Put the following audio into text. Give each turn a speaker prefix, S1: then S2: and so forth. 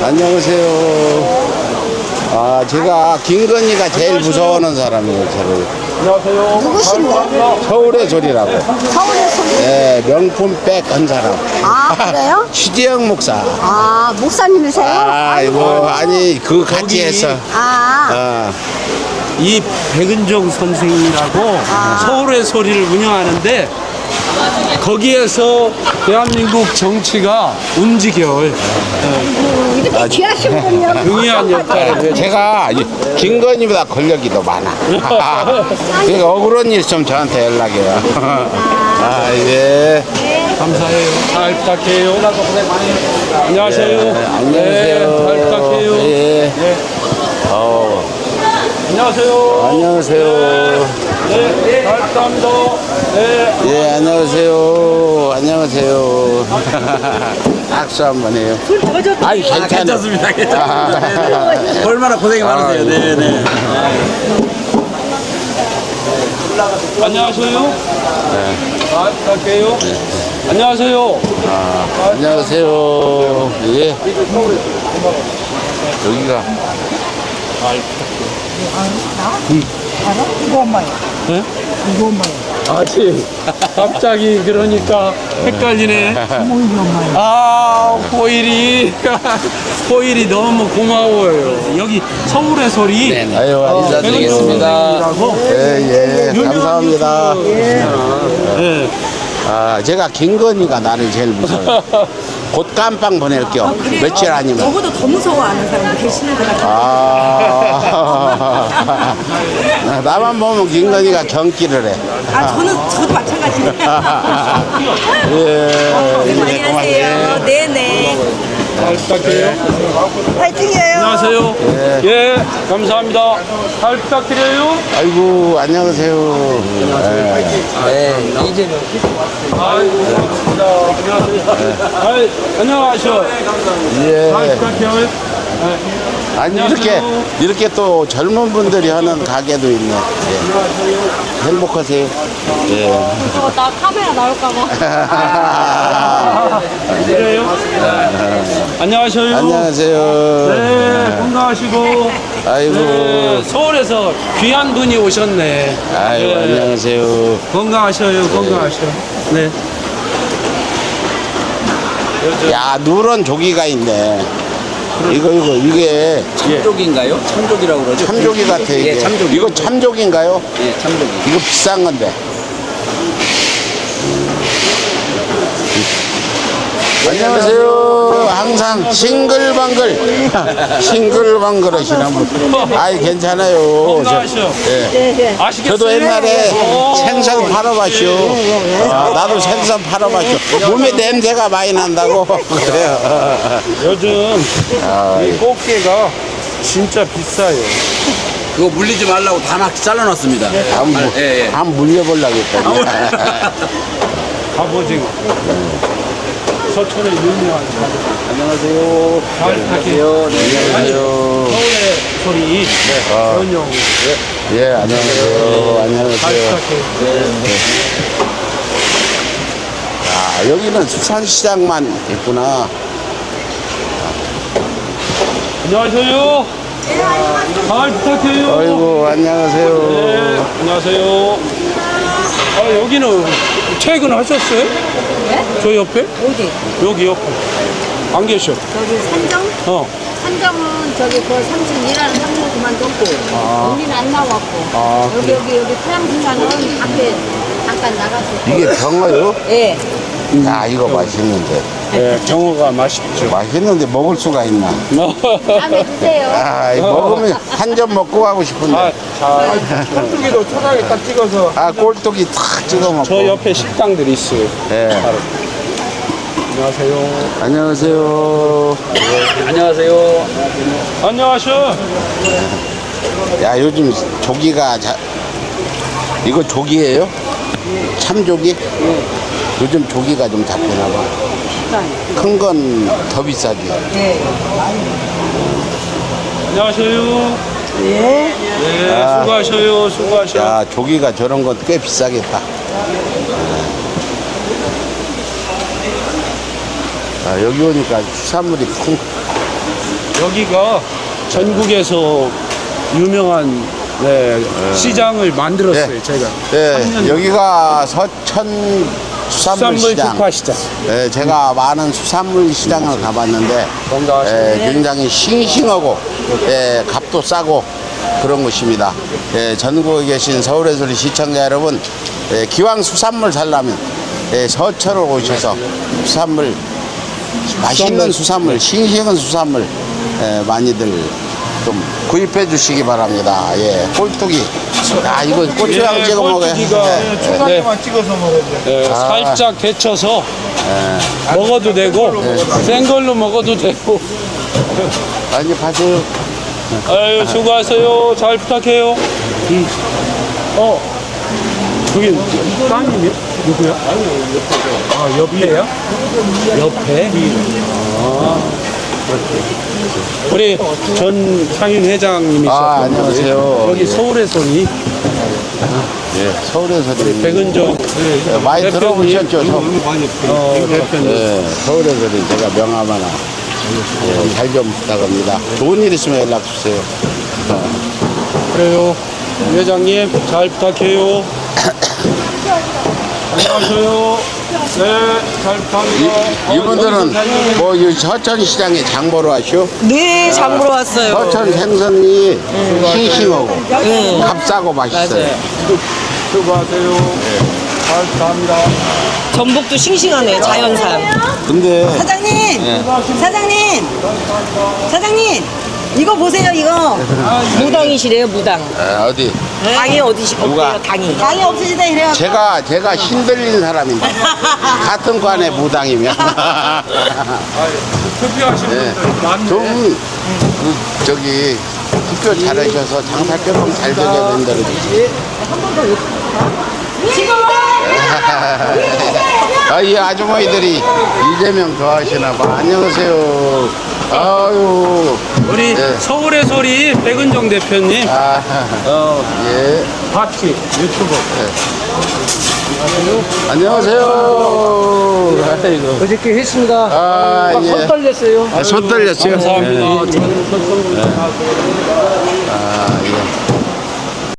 S1: 안녕하세요. 아, 제가 김건희가 제일 무서워하는 사람이에요, 저를.
S2: 안녕하세요.
S3: 누구신데?
S1: 서울의 소리라고.
S3: 서울의 소리.
S1: 네, 명품 백 한 사람.
S3: 아, 그래요?
S1: 취재영 목사.
S3: 아, 목사님이세요?
S1: 아, 뭐, 아니, 그 같이 해서.
S3: 아,
S2: 이 백은종 선생이라고 서울의 소리를 운영하는데 거기에서 대한민국 정치가 움직여요.
S3: 이렇게 귀하신 분이요.
S2: 중요한 역할을
S1: 제가 김건희보다 권력이 더 많아. 그러니까 억울한 일 있으면 저한테 연락해요. 아, 예.
S2: 감사해요. 잘 부탁해요. 안녕하세요.
S1: 안녕하세요.
S2: 네, 잘 부탁해요.
S1: 예.
S2: 네. 안녕하세요.
S1: 안녕하세요.
S2: 네, 잘 부탁합니다. 네.
S1: 예, 안녕하세요. 안녕하세요. 악수 한번 해요. 아니,
S4: 괜찮습니다. 괜찮습니다. 얼마나 고생이 많으세요.
S1: 예.
S4: 네네.
S2: 안녕하세요. 잘 부탁해요. 안녕하세요.
S1: 안녕하세요. 예. 여기가.
S3: 이거 엄마요.
S2: 네?
S3: 이거 엄마요.
S2: 아직 갑자기 그러니까 헷갈리네.
S3: 어머, 이거 엄마요.
S2: 아, 호일이 호일이 너무 고마워요. 여기 서울의 소리.
S4: 네네.
S1: 아유, 인사드리겠습니다.
S2: 백은종이라고.
S1: 예, 예. 감사합니다.
S2: 네.
S1: 아, 제가 김건희가 나를 제일 무서워요. 곧 깜빵 보낼게요. 며칠 아니면.
S3: 저보다 더 무서워하는 사람도 계시는 것 같아요.
S1: 아, 나만 보면 김건희가 경기를 해.
S3: 저도 마찬가지예요.
S1: 예,
S3: 안녕하세요. 네네.
S2: 잘 부탁해요.
S3: 파이팅이에요.
S2: 안녕하세요. 예, 감사합니다. 잘 부탁드려요.
S1: 아이고, 안녕하세요.
S4: 네, 이제는.
S2: 아이고, 반갑습니다. 안녕하세요. 아이, 안녕하셔. 잘
S1: 예.
S2: 부탁해요.
S1: 아니, 이렇게 또 젊은 분들이 하는 가게도 있네. 예. 행복하세요. 예.
S3: 나 카메라 나올까봐.
S2: 그래요? 안녕하세요.
S1: 안녕하세요.
S2: 네, 건강하시고.
S1: 아이고.
S2: 네, 서울에서 귀한 분이 오셨네.
S1: 아이고,
S2: 네,
S1: 안녕하세요.
S2: 건강하셔요, 건강하셔. 네.
S1: 야, 누런 조기가 있네. 이게
S4: 참족인가요? 참족이라고 그러죠?
S1: 참조기 같아, 이게.
S4: 예, 참족이.
S1: 이거 참조기인가요?
S4: 예, 참족이.
S1: 이거 비싼 건데. 안녕하세요. 항상 싱글벙글. 싱글벙글 하시는 분. 아이, 괜찮아요.
S2: 건강하셔.
S1: 예.
S2: 아시겠어요?
S1: 저도 옛날에
S2: 오.
S1: 생선 팔아봤죠. 나도 생선 팔아봤죠. 몸에 냄새가 많이 난다고. 그래요.
S2: 요즘 이 꽃게가 진짜 비싸요.
S4: 그거 물리지 말라고 다 막 잘라놨습니다.
S1: 한 물려보려고 했거든요.
S2: 갑오징어. 서천의 유명한 갑오징어.
S1: 안녕하세요.
S2: 잘 부탁해요.
S1: 안녕하세요.
S2: 서울의 소리. 전용.
S1: 예, 안녕하세요.
S2: 잘
S1: 안녕하세요.
S2: 부탁해요.
S1: 아, 여기는 수산시장만 있구나.
S2: 안녕하세요. 잘 부탁해요.
S1: 아이고, 안녕하세요.
S2: 네, 안녕하세요. 아, 여기는 퇴근하셨어요?
S3: 네?
S2: 저 옆에?
S3: 어디?
S2: 여기 옆에. 안 계셔.
S3: 저기 산정?
S2: 어.
S3: 산정은 저기 그 삼촌 일하는 삼촌 그만뒀고 언니는 안 나왔고 여기 태양수산은 밖에 잠깐 나가서
S1: 이게 병어요?
S3: 예.
S1: 야, 이거 맛있는데.
S2: 네, 병어가 맛있죠.
S1: 맛있는데 먹을 수가 있나?
S3: 다음에 드세요.
S1: 아, 이거 먹으면 한 점 먹고 가고 싶은데.
S2: 아, 자, 깍두기도 초장에 딱 찍어서.
S1: 아, 꼴뚜기 탁 찍어 먹고.
S2: 저 옆에 식당들이 있어요.
S1: 예.
S2: 안녕하세요.
S1: 안녕하세요.
S4: 안녕하세요.
S2: 안녕하셔.
S1: 야, 요즘 조기가 이거 조기예요? 참조기? 요즘 조기가 좀 잡히나 봐. 큰 건 더 비싸지.
S3: 예.
S2: 안녕하세요.
S3: 예.
S2: 네, 수고하셔요. 수고하셔.
S1: 야, 조기가 저런 건 꽤 비싸겠다. 아, 여기 오니까 수산물이
S2: 여기가 전국에서 유명한 시장을 만들었어요. 제가.
S1: 네, 여기가 서천 수산물 시장.
S2: 특화시장.
S1: 네, 제가 많은 수산물 시장을 가봤는데 굉장히 싱싱하고 값도 싸고 그런 곳입니다. 전국에 계신 서울에서리 시청자 여러분, 기왕 수산물 살려면 서천을 오셔서 수산물, 맛있는 수산물, 싱싱한 수산물 많이들 좀 구입해 주시기 바랍니다. 꼴뚜기. 야, 이거 고추장 찍어 먹어요.
S2: 꼴뚜기가
S5: 찍어서 먹어야 돼.
S2: 살짝 데쳐서 먹어도 되고 생걸로 먹어도 되고.
S1: 많이 파세요.
S2: 아유, 수고하세요. 잘 부탁해요. 저기 따님이요? 누구야? 아, 옆에야? 옆에? 우리 전 상인 회장님이시죠?
S1: 안녕하세요.
S2: 여기 서울의 손이
S1: 서울에서
S2: 백은정
S1: 많이 들어보셨죠?
S2: 대표님.
S1: 서울에서 제가 명함 하나 잘 좀 부탁합니다. 좋은 일 있으면 연락 주세요.
S2: 그래요. 회장님 잘 부탁해요. 안녕하세요. 네, 잘 부탁합니다.
S1: 이분들은 뭐 이 서천 시장에 장 보러 왔쇼?
S6: 네, 장 보러 왔어요.
S1: 서천 생선이 싱싱하고 값싸고 맛있어요.
S2: 수고하세요. 잘 부탁합니다.
S6: 전복도 싱싱하네, 자연산.
S1: 근데
S6: 사장님! 사장님! 이거 보세요, 이거. 무당이시래요, 무당.
S1: 어디?
S6: 당이 어디시,
S1: 누가?
S6: 없대요, 당이. 당이 없으시다, 이래요.
S1: 제가 신들린 사람인데 같은 관에 무당이면
S2: 투표하신 분들 많네.
S1: 좀 저기 투표 잘하셔서 장사 조금 잘 되게 된다고 그러지. 이 아주머니들이 이재명 좋아하시나 봐. 안녕하세요. 아유.
S2: 우리 서울의 소리 백은정 대표님
S1: 예.
S2: 바티 유튜버.
S1: 안녕하세요. 아이고.
S2: 어저께 했습니다.
S1: 예.
S2: 손 떨렸어요.
S1: 손 떨렸어요.
S2: 감사합니다. 저는 손 떨렸습니다.